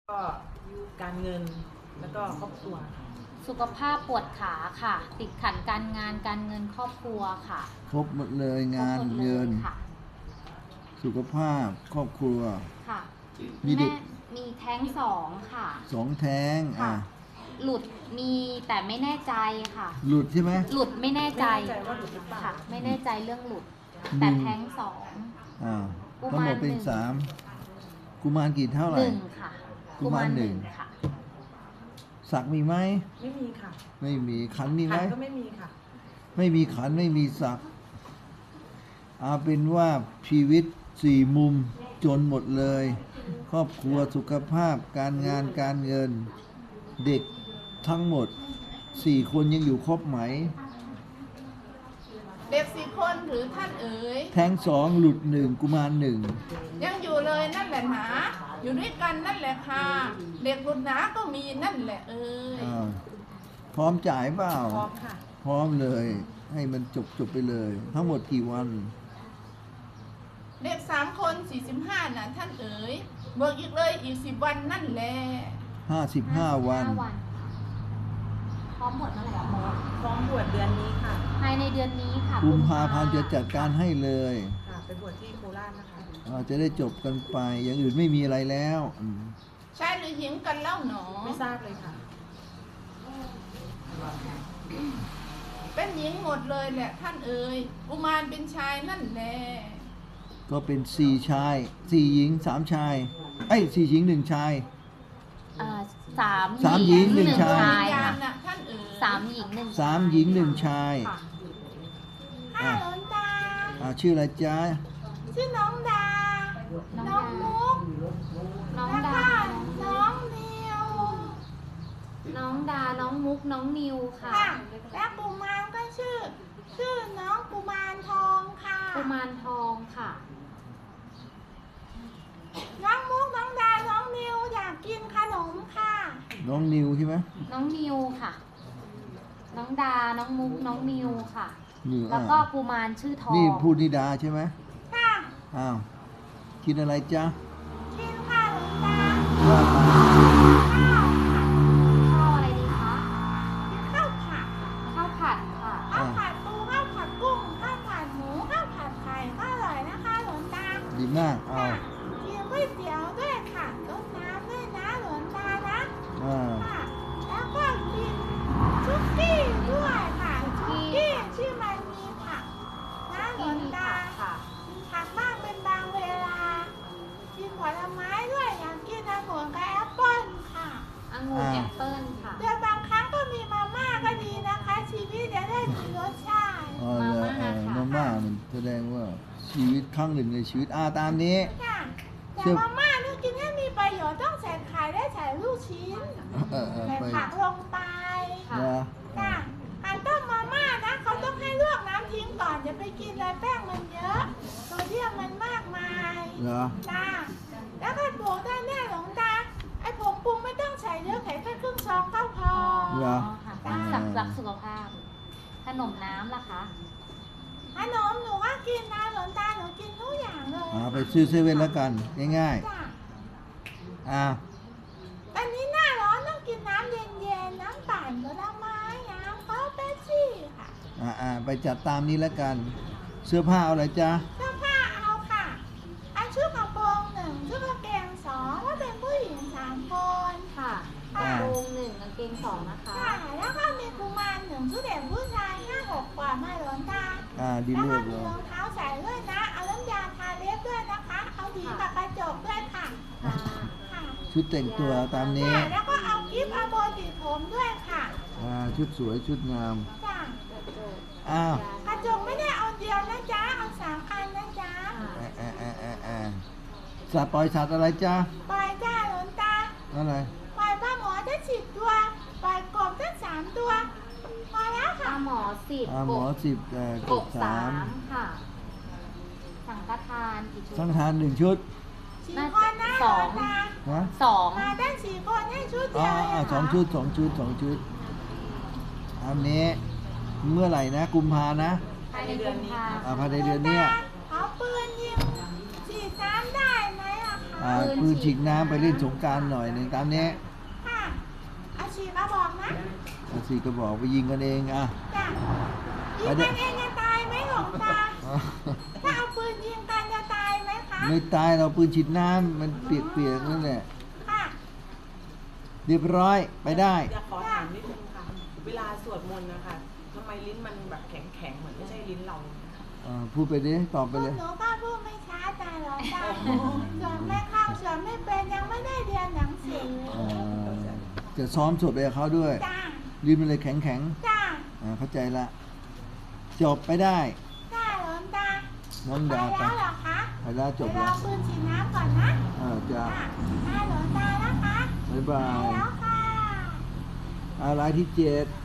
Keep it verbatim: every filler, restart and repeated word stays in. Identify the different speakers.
Speaker 1: ก็การเงินแล้วก็ครอบครัว
Speaker 2: สุขภาพปวดขาค่ะ ติดขัดการงานการเงินครอบครัวค่ะ
Speaker 3: ครบหมดเลยงาน
Speaker 2: ครบหมดลย
Speaker 3: เงิน
Speaker 2: ค่ะ
Speaker 3: สุขภาพครอบครัว
Speaker 2: ค่ะ
Speaker 3: มีเด็
Speaker 2: แม่
Speaker 3: ก
Speaker 2: มีแท้งสองค่ะ
Speaker 3: สองแท้ง
Speaker 2: ค่ะ
Speaker 3: อ่ะ
Speaker 2: หลุดมีแต่ไม่แน่ใจค่ะ
Speaker 3: หลุดใช่ไหม
Speaker 2: หลุดไม่แน่ใจ
Speaker 1: ไม่แน่ใจว่าหลุดหรือเปล่า
Speaker 2: ค่ะ ไม่แน่ใจเรื่องหลุด
Speaker 3: หนึ่
Speaker 2: แต่
Speaker 3: ง
Speaker 2: แท้งสอง
Speaker 3: อ่า
Speaker 2: กุ
Speaker 3: ทั้ง
Speaker 2: มาร
Speaker 3: หมดเป็น
Speaker 2: หนึ่ง
Speaker 3: สามกุมารกี่เท่าไห
Speaker 2: ห
Speaker 3: ร่
Speaker 2: นึ่งค่ะ
Speaker 3: กุมารหนึ่ง
Speaker 2: ค่ะ
Speaker 3: สักมีไหม
Speaker 1: ไม่มีค่ะ
Speaker 3: ไม่มีขันมีไหม
Speaker 1: ขันก็ไม่มีค่ะ
Speaker 3: ไม่มีขันไม่มีสักเอาเป็นว่าชีวิตสี่มุมจนหมดเลย ครอบครัวสุขภาพการงานการเงิน เด็กทั้งหมดสี่คนยังอยู่ครบไหม
Speaker 4: เด็กสี่คนหรือท่านเอ๋ย
Speaker 3: แท้งสองหลุดหนึ่งกุมารหนึ่ง
Speaker 4: ยังอยู่เลยนั่นแหละหนาอยู่ด้วยกันนั่นแหละค่ะเด็กหลุดหนาก็มีนั่นแหละเอ๋ย
Speaker 3: อ้าวพร้อมจ่ายเปล่า
Speaker 1: พร้อมค่ะ
Speaker 3: พร้อมเลย ให้มันจบจบไปเลย ทั้งหมดกี่วัน
Speaker 4: เด็กสามคนสี่สิบห้าน่ะท่านเอ๋ยบวกอีกเลยอีกสิบวันนั่นแหละ
Speaker 3: ห้าสิบห้าวัน
Speaker 2: ห้าพร้อมหมดเมื่อไหร่อะหมอ
Speaker 1: พร้อมบวชเดือนนี้ค่ะ
Speaker 2: ภายในเดือนนี้ค่ะ
Speaker 3: กุมภาพันธ์จะจัดการให้เลย
Speaker 1: ค่ะไปบวชที่โคราชนะคะ
Speaker 3: อ่าจะได้จบกันไป อย่างอื่นไม่มีอะไรแล้วอืม
Speaker 4: ชายหรือหญิงกันเล่าหนอ
Speaker 1: ไม่ทราบเลยค่ะ
Speaker 4: เป็นหญิงหมดเลยแหละท่านเอ๋ยกุมารเป็นชายนั่นแหละ
Speaker 3: ก็เป็นสี่ชายสี่หญิงสามชายไอ้ยสี่หญิงหนึ่งชาย
Speaker 2: เอ่อสาม
Speaker 3: สามหญิงหนึ่งชาย
Speaker 4: วิญญา
Speaker 2: ค่ะ
Speaker 4: ณน่ะท่านเอ๋ย
Speaker 2: สามหญิงหนึ่ง
Speaker 3: สามหญิงหนึ่งชาย
Speaker 2: ค่ะ
Speaker 4: ห้าหลนตา
Speaker 3: อ่าชื่ออะไรจ๊ะ
Speaker 4: ชื่อน้องดา
Speaker 2: น้
Speaker 4: น้
Speaker 2: อ
Speaker 4: อง ง
Speaker 2: ดา
Speaker 4: มุก
Speaker 2: น้อง
Speaker 4: แล้ว
Speaker 2: ดา
Speaker 4: ก็น้องนิว
Speaker 2: น้องดา น้องมุก น้องนิวค่ะ
Speaker 4: ค่ะ และกุมารก็ชื่อ ชื่อน้องกุมารทองค่ะ
Speaker 2: กุมารทองค่ะ
Speaker 4: น้องมุกน้องดา น้องนิวอยากกินขนมค่ะ
Speaker 3: น้องนิวใช่ไหม
Speaker 2: น้องนิวค่ะ น้องดา น้องมุก น้องนิวค่ะ
Speaker 3: นิว
Speaker 2: แล้ว
Speaker 3: อ่า
Speaker 2: ก็กุมารชื่อทอง
Speaker 3: นี่พูดนิดาใช่ไหม
Speaker 4: ค่ะ
Speaker 3: อ้าวกินอะไรจ๊ะ
Speaker 4: กินค่ะหลวงตา
Speaker 3: ว่ามา
Speaker 4: ข้าว
Speaker 2: ข้าวอะไรดีคะ
Speaker 4: กินข้าวผัด
Speaker 2: ข้าวผัดค่ะ
Speaker 4: ข้าวผัดปูข้าวผัดกุ้งข้าวผัดหมูข้าวผัดไข่ก็อร่อยนะคะหลวงตา
Speaker 3: ดีมากเอา
Speaker 4: ค่ะกินก๋วยเตี๋ยวด้วยค่ะรดน้ำด้วยนะหลวงตานะ
Speaker 3: อ่า
Speaker 4: ค่ะแล้วก็กินชุกกี้ด้วยค่ะชุกกี้ที่มันมีผักนะหลวงตา
Speaker 2: ค่ะ
Speaker 4: กินผักบ้างเป็นบางเวลา กินผลไม้ด้วยอย่างกินองุ่นกับแอปเปิ้ลค่ะ
Speaker 2: องุ่นแอปเปิ้ลค่ะ
Speaker 4: แต่บางครั้งก็มีมาม่าก็ดีนะคะ ชีวิตจะได้มีรสชาติ
Speaker 3: อ๋อแล้วเออมาม่ามันแสดงว่าชีวิตครั้งหนึ่งในชีวิตอ่าตามนี้
Speaker 4: ค่ะ
Speaker 3: เชื่
Speaker 4: แต่
Speaker 3: อ
Speaker 4: มาม่านี่กินให้มีประโยชน์ต้องใส่ไข่และใส่ลูกชิ้น
Speaker 3: เออเออ
Speaker 4: ใส่
Speaker 3: ไป
Speaker 4: ผักลงไป
Speaker 2: ค่ะ
Speaker 3: นะ
Speaker 4: ค่ะการต้มมาม่านะเขาต้องให้ลวกน้ำทิ้งก่อนอย่าไปกินเลยแป้งมันเยอะโซเดียมมันมากมาย
Speaker 3: เหรอ
Speaker 4: จ้าแล้วก็ปลูกได้แน่หลวงตาไอ้ผงปรุงไม่ต้องใส่เยอะใส่แค่ครึ่งซองก็พอ
Speaker 3: เหรอ
Speaker 2: ค่ะสักรักสุขภาพ ขนมน้ำล่ะคะ
Speaker 4: ขนมหนูก็กินนะหลวงตาหนูกินทุกอย่างเลย
Speaker 3: อ่าไปซื้อเซเว่นแล้วกัน ง่าย
Speaker 4: จ้า
Speaker 3: ๆอ่า
Speaker 4: ตอนนี้หน้าร้อนต้องกินน้ำเย็นๆน้ำปั่นผลไม้น้ำเขาเป๊ปซี่ค่ะ
Speaker 3: อ่าอ่าไปจัดตามนี้แล้วกัน เสื้อผ้าเอาอะไรจ๊ะ
Speaker 4: เสื้อผ้าเอาค่ะอันชุดกระโปรงหนึ่งชุดกางเกงสองว่าเป็นผู้หญิงสามคน
Speaker 2: ค่ะ
Speaker 3: อ่า
Speaker 2: โปงหนึ่งกางเกงสองนะคะ
Speaker 4: ค่ะแล้วก็มีกุมารหนึ่งชุดเด็กผู้ชายห้าหกกว่ามาหลวงตา
Speaker 3: อ่าดี
Speaker 4: แล้ว
Speaker 3: เลื
Speaker 4: ก็
Speaker 3: อก
Speaker 4: มี
Speaker 3: เลย
Speaker 4: รองเท้าใส่ด้วยนะ เอาน้ำยาทาเล็บด้วยนะคะ เอาหวีกับกระจกด้วยค่ะ
Speaker 2: ค่ะ
Speaker 4: ค่ะ
Speaker 3: ชุดแต่งตัวตามนี้
Speaker 4: ค่ะแล้วก็เอากิฟต์เอาโบติดผมด้วยค่ะ
Speaker 3: อ่าชุดสวยชุดงาม
Speaker 4: จ้ะ
Speaker 3: อ้าว
Speaker 4: กระจกไม่ได้เอาเดียวนะจ๊ะ เอาสามอันนะจ๊ะ
Speaker 3: อ่าอ่าอ่าอ่าอ่าสัตว์ปล่อยสัตว์อะไรจ๊ะ
Speaker 4: ปล่อยจ้าหลวงตา
Speaker 3: อะไร
Speaker 4: ปล่อยปลาหมอได้สิบตัว ปล่อยกบได้สามตัว พอแล้ว
Speaker 2: ป
Speaker 4: ค่ะ
Speaker 2: ลาหมอสิบ
Speaker 3: อ่าหมอสิบเอ่อก
Speaker 2: ก
Speaker 3: บ
Speaker 2: สา
Speaker 3: สาม
Speaker 2: มค่ะ สังฆทานกี่ชุด
Speaker 3: สังทานหนึ่งชุด
Speaker 4: สี่คนนะหล
Speaker 2: สอ
Speaker 4: ว
Speaker 2: ง
Speaker 4: งตา
Speaker 3: นะ
Speaker 2: สอง
Speaker 4: มาได้สี่คนให้ชุด
Speaker 3: อ๋
Speaker 4: เดี
Speaker 3: อ
Speaker 4: ยวเอ
Speaker 3: อ่าง
Speaker 4: เห
Speaker 3: ส
Speaker 4: ร
Speaker 3: องชุดสองชุดสองชุด อันนี้ เมื่อไหร่นะ กุมภานะ
Speaker 2: ภายในเดือนนี้
Speaker 3: อ่าภายในเดือนเนี้ย
Speaker 4: เขาปืนยิงสี่สามได้ไหมอะคะ
Speaker 3: อ่าปืนฉีดน้ำไปเล่นสงกรารหน่อยหนึ่งตามนี้
Speaker 4: ค่ะอาชีพบอกนะ
Speaker 3: เอาสี่กระบอกไปยิงกันเองอ่ะ
Speaker 4: จ้ะยิงกันเองจะตายไหมหลวงตา ถ้าเอาปืนยิงกันจะตายไหมคะ
Speaker 3: ไม่ตายเราปืนฉีดน้ำมันเปียกๆนั่นแหละ
Speaker 4: ค่ะ
Speaker 3: เรียบร้อยไปได้
Speaker 1: อยากขอถามนิดนึงค่ะ เวลาสวดมนต์นะคะทำไมลิ้นมันแบบแข็งๆ เหมือนไม่ใช่ลิ้นเรา
Speaker 3: อ่าพูดไปดิตอบไปเลย
Speaker 4: หนูก็พูดไม่ช้าแต่หลวงตาส่วนไม่เข้าส่วนไม่เป็นยังไม่ได้เรียนหนังสือ
Speaker 3: อ่าจะซ้อมสดไปกับเขาด้วย
Speaker 4: จ้า
Speaker 3: ลิ้นมันเลยแข็งแข็ง
Speaker 4: จ้า
Speaker 3: ๆอ่าเข้าใจละ จบไปได้
Speaker 4: จ้าหลวงตา
Speaker 3: น้อง
Speaker 4: ไป
Speaker 3: ดาวไป
Speaker 4: แล้วเหรอคะ
Speaker 3: ไปแล้วจบ
Speaker 4: ไปร
Speaker 3: แล้
Speaker 4: อ
Speaker 3: ว
Speaker 4: ปืนฉีดน้ำก่อนนะ
Speaker 3: อ่าจะ
Speaker 4: จ้าจ้าหลวงตานะคะ
Speaker 3: บ๊าย
Speaker 4: ไป
Speaker 3: บาย
Speaker 4: แล้วค่ะ
Speaker 3: อะไรที่เจ็ด